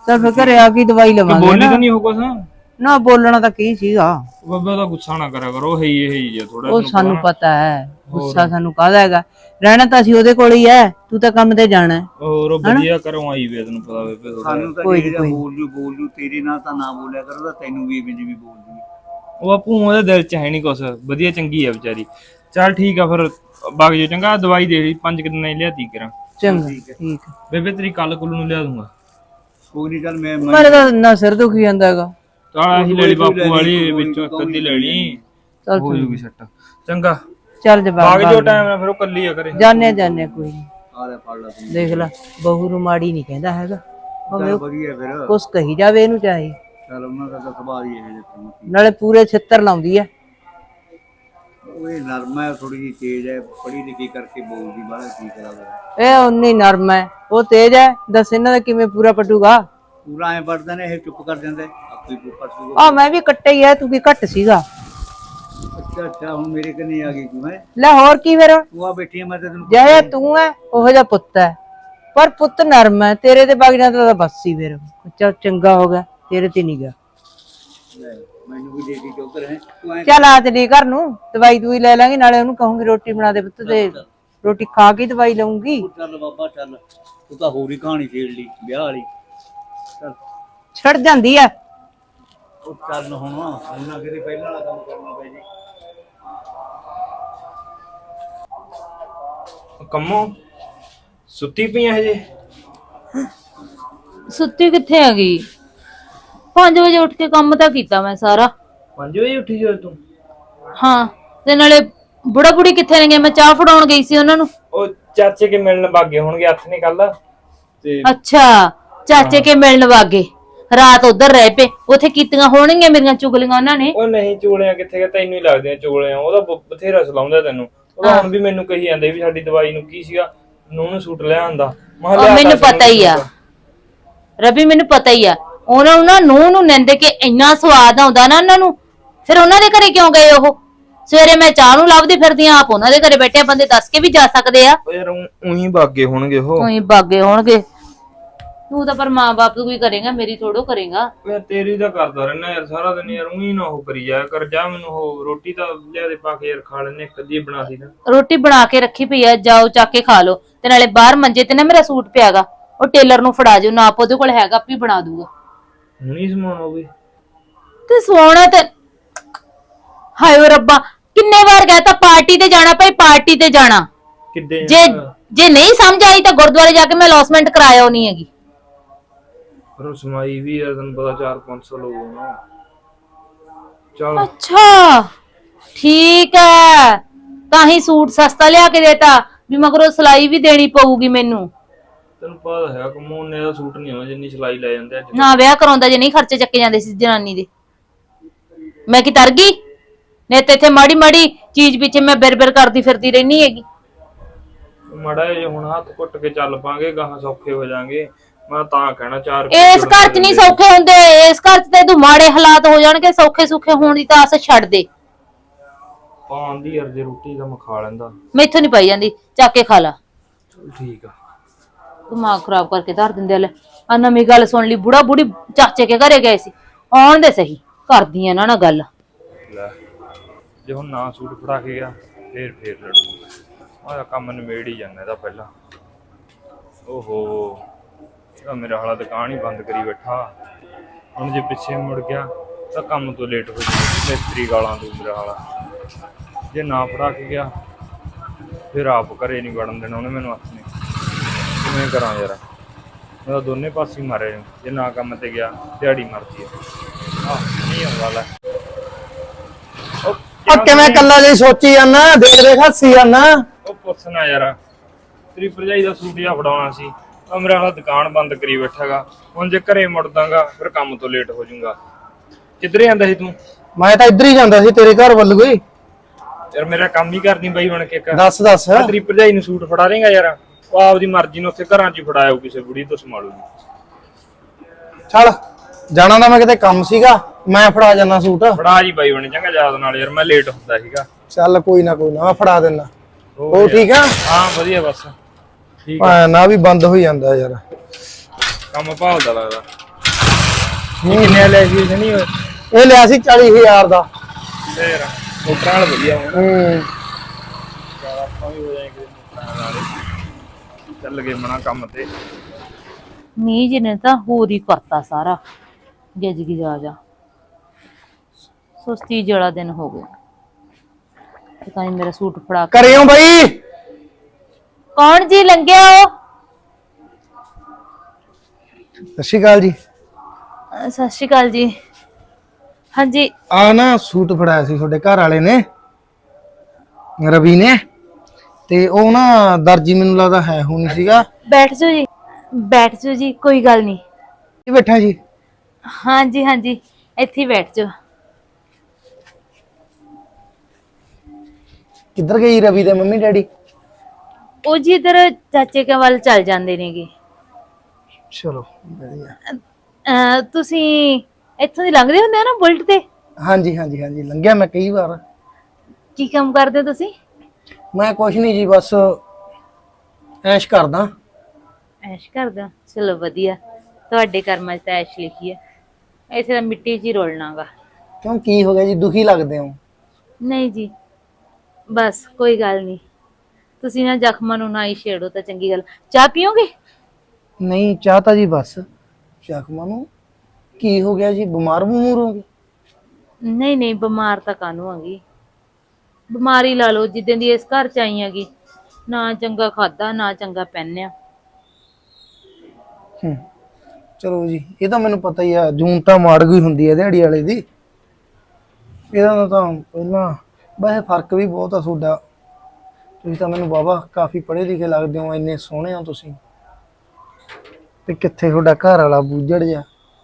D: ਤਾਂ ਫਿਰ ਘਰੇ ਆ ਕੇ ਦਵਾਈ
A: ਕਿ
D: ਲਵਾਂਗੇ
A: ਬੋਲੀ
D: ਨਾ।
A: ਤਾਂ ਨਹੀਂ ਉਹ ਕੁਛ
D: ਨਾ ਬੋਲਣਾ ਤਾਂ ਕੀ ਸੀਗਾ,
A: ਬਾਬਾ ਦਾ ਗੁੱਸਾ ਨਾ ਕਰਿਆ ਕਰੋ, ਹੈ ਹੀ ਇਹ ਹੀ ਜੇ ਥੋੜਾ
D: ਉਹ ਸਾਨੂੰ ਪਤਾ ਹੈ ਗੁੱਸਾ ਸਾਨੂੰ ਕਾਹਦਾ ਹੈਗਾ, ਰਹਿਣਾ ਤਾਂ ਅਸੀਂ ਉਹਦੇ ਕੋਲ ਹੀ ਹੈ, ਤੂੰ ਤਾਂ ਕੰਮ ਤੇ ਜਾਣਾ ਹੈ।
A: ਹੋਰ ਉਹ ਵਧੀਆ ਕਰੋ ਆਈ ਵੇ ਤੈਨੂੰ ਪਤਾ ਵੇ
C: ਸਾਨੂੰ ਤਾਂ
D: ਕੋਈ
C: ਜਿਹੜਾ
D: ਕੋਈ
C: ਬੋਲ ਜੂ ਬੋਲ ਜੂ, ਤੇਰੇ ਨਾਲ ਤਾਂ ਨਾ ਬੋਲਿਆ ਕਰੋ, ਤਾਂ ਤੈਨੂੰ ਵੀ ਜਿਵੇਂ ਬੋਲ ਜੂ।
A: ਉਹ ਆਪੂ ਉਹਦੇ ਦਿਲ ਚ ਹੈ ਨਹੀਂ ਕੁਛ, ਵਧੀਆ ਚੰਗੀ ਆ ਵਿਚਾਰੀ। ਚੱਲ ਠੀਕ ਆ ਫਿਰ ਬਾਗ ਜੇ ਚੰਗਾ, ਦਵਾਈ ਦੇ ਲਈ ਪੰਜ ਕਿ ਦਿਨਾਂ ਹੀ ਲਿਆਤੀ ਕਰਾਂ।
D: ਚੰਗਾ ਠੀਕ ਹੈ।
A: ਬੇਬੇ ਤੇਰੀ ਕੱਲ ਕੁੱਲ ਨੂੰ ਲਿਆ ਦੂੰਗਾ।
C: ਕੋਈ ਨਹੀਂ, ਚੱਲ ਮੈਂ
D: ਮੇਰੇ ਤਾਂ ਨਾ ਸਿਰ ਦੁਖੀ ਜਾਂਦਾ ਹੈਗਾ।
A: ਚੱਲ ਆਹੀ ਲੈ ਲਈ ਬਾਪੂ ਵਾਲੀ, ਵਿੱਚੋਂ ਇੱਕ ਅੱਧੀ ਲੈਣੀ
D: ਚੱਲ
A: ਹੋ ਜੂਗੀ ਸੱਟ। ਚੰਗਾ
D: ਚੱਲ ਜਵਾਬ
A: ਬਾਗ ਜੋ ਟਾਈਮ ਨਾਲ ਫਿਰ ਉਹ ਕੱਲੀ ਆ ਕਰੇ।
D: ਜਾਣੇ ਜਾਣੇ ਕੋਈ ਨਹੀਂ,
C: ਆ ਲੈ ਫੜ ਲਾ ਤੂੰ।
D: ਦੇਖ ਲੈ ਬਹੂ ਨੂੰ ਮਾੜੀ ਨਹੀਂ ਕਹਿੰਦਾ ਹੈਗਾ, ਭਾਵੇਂ ਉਹ
C: ਵਧੀਆ ਫਿਰ,
D: ਕੁਛ ਕਹੀ ਜਾਵੇ ਇਹਨੂੰ ਚਾਹੇ,
C: ਚੱਲ ਉਹਨਾਂ ਦਾ ਤਾਂ ਸੁਭਾਅ ਹੀ ਇਹ ਜਿਹਾ।
D: ਨਾਲੇ ਪੂਰੇ ਛਿੱਤਰ ਲਾਉਂਦੀ ਹੈ।
C: ਉਹ ਇਹ ਨਰਮ ਹੈ, ਥੋੜੀ ਜਿਹੀ ਤੇਜ਼ ਹੈ, ਪੜ੍ਹੀ ਲਿਖੀ ਕਰਕੇ ਬੋਲਦੀ ਬਾਹਲਾ, ਕੀ ਕਰਾਂਗੇ।
D: ਇਹ ਉਨੀ ਨਰਮ ਹੈ, ਉਹ ਤੇਜ਼ ਹੈ, ਦੱਸ ਇਹਨਾਂ ਦਾ ਕਿਵੇਂ ਪੂਰਾ ਪਟੂਗਾ।
C: ਪੂਰਾ ਐ ਪੜਦੇ ਨੇ, ਇਹ ਚੁੱਪ ਕਰ ਜਾਂਦੇ, ਆਪੇ ਪੜ ਜੂਗਾ।
D: ਆ ਮੈਂ ਵੀ ਕੱਟੇ ਹੀ ਹੈ, ਤੂੰ ਕੀ ਘੱਟ ਸੀਗਾ।
C: ਅੱਛਾ ਅੱਛਾ, ਹੁਣ ਮੇਰੇ ਕੰਨੇ ਆ ਗਈ ਤੂੰ, ਹੈ
D: ਲੈ ਹੋਰ ਕੀ ਫਿਰ,
C: ਤੂੰ ਆ ਬੈਠੀ ਹੈ, ਮੈਂ ਤਾਂ ਤੈਨੂੰ
D: ਜਿਹੜਾ ਤੂੰ ਹੈ ਉਹੋ ਜਿਹਾ ਪੁੱਤ ਹੈ, ਪਰ ਪੁੱਤ ਨਰਮ ਹੈ, ਤੇਰੇ ਤੇ ਵਗ ਜਾਂਦਾ ਤਾਂ ਬਸ ਹੀ ਫਿਰ ਚੱਲ ਚੰਗਾ ਹੋ ਗਿਆ, ਤੇਰੇ ਤੇ ਨਹੀਂ ਗਿਆ।
C: ਲੈ, ਮੈਨੂੰ ਵੀ ਦੇ ਦੀ ਚੌਧਰ ਹੈ ਤੂੰ ਐ
D: ਚੱਲ ਆ ਚਲੀ ਘਰ ਨੂੰ, ਦਵਾਈ ਦੂਈ ਲੈ ਲਾਂਗੇ, ਨਾਲੇ ਉਹਨੂੰ ਕਹੂੰਗੀ ਰੋਟੀ ਬਣਾ ਦੇ ਪੁੱਤ, ਤੇ ਰੋਟੀ ਖਾ ਕੇ ਦਵਾਈ ਲਊਂਗੀ।
C: ਚੱਲ ਬਾਬਾ ਚੱਲ, ਤੂੰ ਤਾਂ ਹੋਰ ਹੀ ਕਹਾਣੀ ਛੇੜ ਲਈ ਵਿਆਹ ਵਾਲੀ। ਚੱਲ
D: ਛੱਡ ਜਾਂਦੀ ਹੈ।
C: ਉਹ ਚੱਲ ਹੁਣ ਹੁਣ ਨਾ ਕਿਤੇ ਪਹਿਲਾਂ ਵਾਲਾ ਕੰਮ ਕਰਨਾ ਪੈ ਜੇ।
A: ਕੰਮੋ ਸੁੱਤੀ ਪਈ ਹਜੇ?
B: ਸੁੱਤੀ ਕਿੱਥੇ ਆ ਗਈ, ਪੰਜ ਵਜੇ ਉੱਠ ਕੇ ਕੰਮ ਤਾਂ ਕੀਤਾ ਮੈਂ ਸਾਰਾ।
A: ਪੰਜ ਵਜੇ ਉੱਠੀ ਜੋ ਤੂੰ?
B: ਹਾਂ, ਤੇ ਨਾਲੇ ਬੁੜਾ ਬੁੜੀ ਕਿੱਥੇ ਨੇ ਗਏ, ਮੈਂ ਚਾਹ ਫੜਾਉਣ ਗਈ ਸੀ ਉਹਨਾਂ ਨੂੰ।
A: ਉਹ ਚਾਚੇ ਕੇ ਮਿਲਣ ਬਾਗੇ ਹੋਣਗੇ, ਹੱਥ ਨੇ ਕੱਲ ਤੇ।
B: ਅੱਛਾ, ਚਾਚੇ ਕੇ ਮਿਲਣ ਵਾਗੇ, ਰਾਤ ਉਧਰ ਰਹਿ ਪਏ, ਉੱਥੇ ਕੀਤੀਆਂ ਹੋਣਗੀਆਂ ਮੇਰੀਆਂ ਚੁਗਲੀਆਂ ਉਹਨਾਂ ਨੇ।
A: ਉਹ ਨਹੀਂ ਚੁਗਲੀਆਂ ਕਿੱਥੇ ਗਏ, ਤੈਨੂੰ ਹੀ ਲੱਗਦੀਆਂ ਚੁਗਲੀਆਂ, ਉਹਦਾ ਬ- ਬਥੇਰਾ ਸਲਾਉਂਦਾ ਤੈਨੂੰ। ਉਹਦਾ ਹੁਣ ਵੀ ਮੈਨੂੰ ਕਹੀ ਜਾਂਦੇ ਵੀ ਸਾਡੀ ਦਵਾਈ ਨੂੰ ਕੀ ਸੀਗਾ, ਨੂੰ ਨੂੰ ਸੂਟ ਲਿਆ ਆਂਦਾ।
B: ਉਹ ਮੈਨੂੰ ਪਤਾ ਹੀ ਆ ਰਵੀ, ਮੈਨੂੰ ਪਤਾ ਹੀ ਆ, ਉਹਨਾਂ ਨੂੰ ਨਾ ਨੂੰਹ ਨੂੰ ਨਿੰਦ ਕੇ ਇੰਨਾ ਸਵਾਦ ਆਉਂਦਾ ਨਾ ਉਹਨਾਂ ਨੂੰ, ਫਿਰ ਉਹਨਾਂ ਦੇ ਘਰੇ ਕਿਉਂ ਗਏ ਉਹ? ਸਵੇਰੇ ਮੈਂ ਚਾਹ ਨੂੰ ਲੱਭਦੀ ਫਿਰਦੀ ਆ, ਆਪ ਉਹਨਾਂ ਦੇ ਘਰੇ ਬੈਠੇ ਬੰਦੇ ਦੱਸ ਕੇ ਵੀ ਜਾ ਸਕਦੇ ਆ।
A: ਉਹ ਯਾਰ ਉਹੀ ਬਾਗੇ ਹੋਣਗੇ ਉਹ।
B: ਉਹੀ ਬਾਗੇ ਹੋਣਗੇ, ਤੂੰ ਤਾਂ ਪਰ ਮਾਂ ਬਾਪ ਤੂੰ ਕੋਈ ਕਰੇਗਾ, ਮੇਰੀ ਥੋੜੋ ਕਰੇਗਾ।
A: ਯਾਰ ਤੇਰੀ ਤਾਂ ਕਰਦਾ ਰਹਿਣਾ ਯਾਰ ਸਾਰਾ ਦਿਨ, ਯਾਰ ਉਹੀ ਨਾ ਉਹ ਕਰੀ ਜਾਇਆ ਕਰ। ਜਾ ਮੈਨੂੰ ਉਹ ਰੋਟੀ ਤਾਂ ਲਿਆ ਦੇ ਪਾ ਕੇ ਯਾਰ, ਖਾ ਲੈਨੇ ਇੱਕ ਅੱਧੀ ਬਣਾ ਸੀ ਨਾ।
B: ਰੋਟੀ ਬਣਾ ਕੇ ਰੱਖੀ ਪਈ ਆ, ਜਾਓ ਚੱਕ ਕੇ ਖਾ ਲਓ। ਤੇ ਨਾਲੇ ਬਾਹਰ ਮੰਜੇ ਤੇ ਨਾ ਮੇਰਾ ਸੂਟ ਪਿਆਗਾ, ਉਹ ਟੇਲਰ ਨੂੰ ਫੜਾ ਜਾਓ, ਨਾਪ ਉਹਦੇ ਕੋਲ ਹੈਗਾ, ਆਪੇ ਬਣਾ ਦੂਗਾ।
A: ਹੁਣੀ ਸਮਾਨ ਉਹ ਵੀ
B: ਤੇ ਸੋਹਣਾ ਤੇ ਹਾਏ ਓ ਰੱਬਾ, ਕਿੰਨੇ ਵਾਰ ਕਹਤਾ ਪਾਰਟੀ ਤੇ ਜਾਣਾ ਭਾਈ, ਪਾਰਟੀ ਤੇ ਜਾਣਾ।
A: ਕਿੱਦੇ
B: ਜੇ ਜੇ ਨਹੀਂ ਸਮਝ ਆਈ ਤਾਂ ਗੁਰਦੁਆਰੇ ਜਾ ਕੇ ਮੈਂ ਲੌਸਮੈਂਟ ਕਰਾਇਆ ਹੋਣੀ ਹੈਗੀ।
A: ਪਰ ਸਮਾਈ ਵੀ ਯਾਰ ਤੈਨੂੰ ਪਤਾ ਚਾਰ ਪੰਜ ਸੌ ਲੋਕ ਨਾ। ਚਲ
B: ਅੱਛਾ ਠੀਕ ਹੈ, ਤਾਂ ਹੀ ਸੂਟ ਸਸਤਾ ਲਿਆ ਕੇ ਦੇਤਾ ਵੀ ਮਗਰੋਂ ਸਿਲਾਈ ਵੀ ਦੇਣੀ ਪਊਗੀ ਮੈਨੂੰ।
A: ਤੈਨੂੰ ਪਤਾ ਹੈ ਕਮੋਨ ਨੇ ਦਾ ਸੂਟ ਨਹੀਂ ਆਉਂਦਾ ਜਿੰਨੀ ਸਿਲਾਈ ਲੈ ਜਾਂਦੇ ਅੱਜ।
B: ਨਾ ਵਿਆਹ ਕਰਾਉਂਦਾ ਜੇ ਨਹੀਂ ਖਰਚੇ ਚੱਕੇ ਜਾਂਦੇ ਸੀ ਜਨਾਨੀ ਦੇ। ਮੈਂ ਕੀ ਤਰ ਗਈ ਨੇ ਤੇ ਇੱਥੇ ਮਾੜੀ ਮਾੜੀ ਚੀਜ਼ ਪਿੱਛੇ ਮੈਂ ਬਿਰ ਬਿਰ ਕਰਦੀ ਫਿਰਦੀ ਰਹਿਣੀ ਹੈਗੀ।
A: ਮਾੜਾ ਜੇ ਹੁਣ ਹੱਥ ਘੁੱਟ ਕੇ ਚੱਲ ਪਾਂਗੇ, ਗਾਹਾਂ ਸੌਖੇ ਹੋ ਜਾਾਂਗੇ। ਮੈਂ ਤਾਂ ਕਹਿਣਾ ਚਾਰ
B: ਇਸ ਘਰ 'ਚ ਨਹੀਂ ਸੌਖੇ ਹੁੰਦੇ, ਇਸ ਘਰ 'ਚ ਤੇ ਤੂੰ ਮਾੜੇ ਹਾਲਾਤ ਹੋ ਜਾਣਗੇ, ਸੌਖੇ ਸੁਖੇ ਹੋਣ ਦੀ ਤਾਂ ਆਸ ਛੱਡ ਦੇ।
A: ਪਾਉਣ ਦੀ ਯਾਰ ਜੇ ਰੋਟੀ ਤਾਂ ਮੈਂ ਖਾ ਲੈਂਦਾ,
B: ਮੈਥੋਂ ਨਹੀਂ ਪਾਈ ਜਾਂਦੀ, ਚੱਕ ਕੇ ਖਾ ਲਾ।
A: ਚਲ ਠੀਕ ਆ।
B: ਦਿਮਾਗ ਖਰਾਬ ਕਰਕੇ ਧਰ ਦਿੰਦੇ ਲੈ। ਆ ਨਵੀਂ ਗੱਲ ਸੁਣ ਲਈ, ਬੁੜਾ ਬੁੜੀ ਚਾਚੇ ਕੇ ਘਰੇ ਗਏ ਸੀ, ਆਉਣ ਦੇ ਸਹੀ, ਕਰਦੀ ਇਹਨਾਂ ਨਾਲ ਗੱਲ।
A: ਲੈ ਜੇ ਹੁਣ ਨਾ ਸੂਟ ਫੜਾ ਕੇ ਗਿਆ ਫੇਰ ਫੇਰ ਲੜੂ। ਆਹ ਕੰਮ ਨਿਬੇੜ ਹੀ ਜਾਂਦਾ ਇਹਦਾ ਪਹਿਲਾਂ। ਓਹੋ ਇਹਦਾ ਮੇਰਾ ਹਾਲਾ ਦੁਕਾਨ ਹੀ ਬੰਦ ਕਰੀ ਬੈਠਾ, ਹੁਣ ਜੇ ਪਿੱਛੇ ਮੁੜ ਗਿਆ ਤਾਂ ਕੰਮ ਤੋਂ ਲੇਟ ਹੋ ਜਾਊ। ਮਿਸਤਰੀ ਗਾਲਾਂ ਦੂ ਮੇਰਾ ਹਾਲਾ। ਜੇ ਨਾ ਫੜਾ ਕੇ ਗਿਆ ਫਿਰ ਆਪ ਘਰੇ ਨਹੀਂ ਵੜਨ ਦੇਣਾ ਉਹਨੇ ਮੈਨੂੰ ਹੱਥ ਨੇ। ਕਿਵੇਂ ਕਰਾਂ ਯਾਰ, ਮੈਂ ਦੋਨੇ ਪਾਸੇ ਹੀ ਮਾਰੇ। ਜੇ ਨਾ ਕੰਮ ਤੇ ਗਿਆ ਦਿਹਾੜੀ ਮਰਦੀ ਹੈ। ਆਹ ਨਹੀਂ ਆਉਂਦਾ ਲੈ।
E: ਆ ਕਿਵੇਂ ਕੱਲਾ ਜੀ ਸੋਚੀ ਜਾਂਦਾ, ਦੇਖ ਦੇਖ ਹੱਸੀ ਜਾਂਦਾ।
A: ਉਹ ਪੁੱਛਣਾ ਯਾਰ, ਤੇਰੀ ਭਰਜਾਈ ਦਾ ਸੂਟ ਜਿਹਾ ਫੜਾਉਣਾ ਸੀ, ਉਹ ਮੇਰਾ ਹਾਲਾ ਦੁਕਾਨ ਬੰਦ ਕਰੀ ਬੈਠਾਗਾ। ਹੁਣ ਜੇ ਘਰੇ ਮੁੜਦਾਗਾ ਫਿਰ ਕੰਮ ਤੋਂ ਲੇਟ ਹੋ ਜਾਊਗਾ। ਕਿੱਧਰੇ ਆਂਦਾ ਸੀ ਤੂੰ?
E: ਮੈਂ ਤਾਂ ਇੱਧਰ ਹੀ ਜਾਂਦਾ ਸੀ ਤੇਰੇ ਘਰ ਵੱਲ ਕੋਈ।
A: ਯਾਰ ਮੇਰਾ ਕੰਮ ਹੀ ਕਰਦੀ ਬਾਈ ਬਣ ਕੇ। ਇੱਕ
E: ਦੱਸ ਦੱਸ।
A: ਤੇਰੀ ਭਰਜਾਈ ਨੂੰ ਸੂਟ ਫੜਾ ਦੇਂਗਾ ਯਾਰ? ਉਹ ਆਪਦੀ ਮਰਜ਼ੀ ਨੂੰ ਉੱਥੇ ਘਰਾਂ 'ਚ ਹੀ ਫੜਾਇਓ, ਕਿਸੇ ਬੁੜੀ ਤੋਂ ਸੰਭਾਲੂਗੀ।
E: ਚੱਲ ਜਾਣਾ ਤਾਂ ਮੈਂ ਕਿਤੇ ਕੰਮ ਸੀਗਾ, ਮੈਂ ਫੜਾ ਜਾਣਾ ਸੂਟ।
A: ਫੜਾ ਜੀ ਬਾਈ ਬਣ, ਚੰਗਾ ਯਾਦ ਨਾਲ ਯਾਰ, ਮੈਂ ਲੇਟ ਹੁੰਦਾ ਸੀਗਾ।
E: ਚੱਲ ਕੋਈ ਨਾ ਕੋਈ ਨਾ, ਮੈਂ ਫੜਾ ਦਿੰਦਾ।
A: ਹੋਰ
E: ਉਹ ਠੀਕ ਆ?
A: ਹਾਂ ਵਧੀਆ, ਬਸ ਠੀਕ ਆ।
E: ਆ ਨਾ ਵੀ ਬੰਦ ਹੋਈ ਜਾਂਦਾ ਯਾਰ,
A: ਕੰਮ ਭਾਲਦਾ ਲੱਗਦਾ। ਕਿੰਨੇ ਲੈ ਸੀ ਨਹੀਂ ਹੋਏ
E: ਇਹ ਲਿਆ ਸੀ ਚਾਲੀ ਹਜ਼ਾਰ ਦਾ।
A: ਫੇਰ ਮੋਟਰਾਂ ਨਾਲ ਵਧੀਆ ਹੋਣਾ
E: ਹੂੰ
A: ਆਪਾਂ ਵੀ ਹੋ ਜਾਏਂਗੇ ਮੋਟਰਾਂ ਵਾਲੇ ਚੱਲ ਗਏ ਮਣਾ ਕੰਮ ਤੇ
B: ਮੀਂਹ ਜੀ ਨੇ ਤਾਂ ਹੋਰ ਹੀ ਕਰਤਾ ਸਾਰਾ ਗਿੱਜ ਗਿਜ ਆ ਜਾ ਸੁਸਤੀ ਜਿਹੜਾ ਦਿਨ ਹੋ ਗਿਆ ਪਤਾ ਨਹੀਂ ਮੇਰਾ ਸੂਟ ਫੜਾ ਕੇ
E: ਕਰਿਓ ਬਈ।
B: ਕੌਣ ਜੀ ਲੰਘਿਆ ਉਹ
E: ਸਤਿ ਸ਼੍ਰੀ ਅਕਾਲ ਜੀ।
B: ਅਹ ਸਤਿ ਸ਼੍ਰੀ ਅਕਾਲ ਜੀ ਹਾਂਜੀ
E: ਆ ਨਾ ਸੂਟ ਫੜਾਇਆ ਸੀ ਤੁਹਾਡੇ ਘਰ ਵਾਲੇ ਨੇ ਰਵੀ ਨੇ, ਤੇ ਉਹ ਨਾ ਦਰਜੀ ਮੈਨੂੰ ਲੱਗਦਾ ਹੈ ਹੁਣ ਸੀਗਾ।
B: ਬੈਠ ਜਾਓ ਜੀ ਬੈਠ ਜਾਓ ਜੀ ਕੋਈ ਗੱਲ ਨਹੀਂ
E: ਇਹ ਬੈਠਾ ਜੀ।
B: ਹਾਂਜੀ ਹਾਂਜੀ ਇੱਥੇ ਹੀ ਬੈਠ ਜਾਓ
E: ਕਿੱਧਰ ਗਈ ਰਵੀ ਦੇ ਮੰਮੀ ਡੈਡੀ?
B: ਉਹ ਜੀ ਇਧਰ ਚਾਚੇ ਕੇ ਵੱਲ ਚੱਲ ਜਾਂਦੇ ਨੇਗੇ।
E: ਚਲੋ ਵਧੀਆ।
B: ਅਹ ਤੁਸੀਂ ਇੱਥੋਂ ਦੀ ਲੰਘਦੇ ਹੁੰਦੇ ਹੋ ਨਾ ਬੁਲਟ ਤੇ?
E: ਹਾਂਜੀ ਹਾਂਜੀ ਹਾਂਜੀ ਲੰਘਿਆ ਮੈਂ ਕਈ ਵਾਰ।
B: ਕੀ ਕੰਮ ਕਰਦੇ ਹੋ ਤੁਸੀਂ?
E: ਮੈਂ ਕੁਛ ਨਹੀਂ ਜੀ, ਬਸ ਐਸ਼ ਕਰਦਾ।
B: ਐਸ਼ ਕਰਦੇ ਹੋ ਚਲੋ ਵਧੀਆ ਤੁਹਾਡੇ ਕਰਮਾਂ 'ਚ ਤਾਂ ਐਸ਼ ਲਿਖੀ ਹੈ ਇੱਥੇ ਤਾਂ ਮਿੱਟੀ 'ਚ ਹੀ ਰੋਲਣਾਗਾ।
E: ਕਿਉਂ ਕੀ ਹੋ ਗਿਆ ਜੀ, ਦੁਖੀ ਲੱਗਦੇ ਹੋ?
B: ਨਹੀਂ ਜੀ ਬਸ ਕੋਈ ਗੱਲ ਨਹੀਂ ਤੁਸੀਂ ਨਾ ਜ਼ਖਮਾਂ ਨੂੰ ਨਾ ਹੀ ਛੇੜੋ ਤਾਂ ਚੰਗੀ ਗੱਲ। ਚਾਹ ਪੀਓਗੇ?
E: ਨਹੀਂ ਚਾਹ ਤਾਂ ਜੀ ਬਸ। ਜ਼ਖਮਾਂ ਨੂੰ ਕੀ ਹੋ ਗਿਆ ਜੀ, ਬਿਮਾਰ ਬਮੂਰ ਹੋ ਗਏ?
B: ਨਹੀਂ ਨਹੀਂ ਬਿਮਾਰ ਤਾਂ ਕਾਹਨੂੰ ਆਗੀ ਬਿਮਾਰੀ ਲਾ ਲਓ ਜਿੱਦਾਂ ਦੀ ਇਸ ਘਰ 'ਚ ਆਈ ਹੈਗੀ ਨਾ ਚੰਗਾ ਖਾਦਾ ਨਾ ਚੰਗਾ ਪਹਿਨਿਆ।
E: ਹੂੰ ਚਲੋ ਜੀ, ਇਹ ਤਾਂ ਮੈਨੂੰ ਪਤਾ ਹੀ ਆ, ਜੂਨ ਤਾਂ ਮਾੜ ਗਈ ਹੁੰਦੀ ਹੈ ਦਿਹਾੜੀ ਵਾਲੇ ਦੀ। ਇਹਦਾ ਤਾਂ ਪਹਿਲਾਂ ਵੈਸੇ ਫਰਕ ਵੀ ਬਹੁਤ ਆ ਤੁਹਾਡਾ। ਤੁਸੀਂ ਤਾਂ ਮੈਨੂੰ ਬਾਬਾ ਕਾਫੀ ਪੜ੍ਹੇ ਲਿਖੇ ਲੱਗਦੇ ਹੋ, ਇੰਨੇ ਸੋਹਣੇ ਹੋ ਤੁਸੀਂ, ਤੇ ਕਿੱਥੇ ਤੁਹਾਡਾ ਘਰ ਵਾਲਾ ਬੂਝੜ ਜਾ।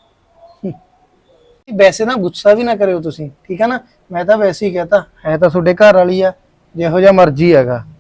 E: ਵੈਸੇ ਨਾ ਗੁੱਸਾ ਵੀ ਨਾ ਕਰਿਓ ਤੁਸੀਂ, ਠੀਕ ਹੈ ਨਾ। ਮੈਂ ਤਾਂ ਵੈਸੇ ਹੀ ਕਹਤਾ, ਹੈ ਤਾਂ ਤੁਹਾਡੇ ਘਰ ਵਾਲੀ ਆ, ਜਿਹੋ ਜਿਹਾ ਮਰਜ਼ੀ ਹੈਗਾ।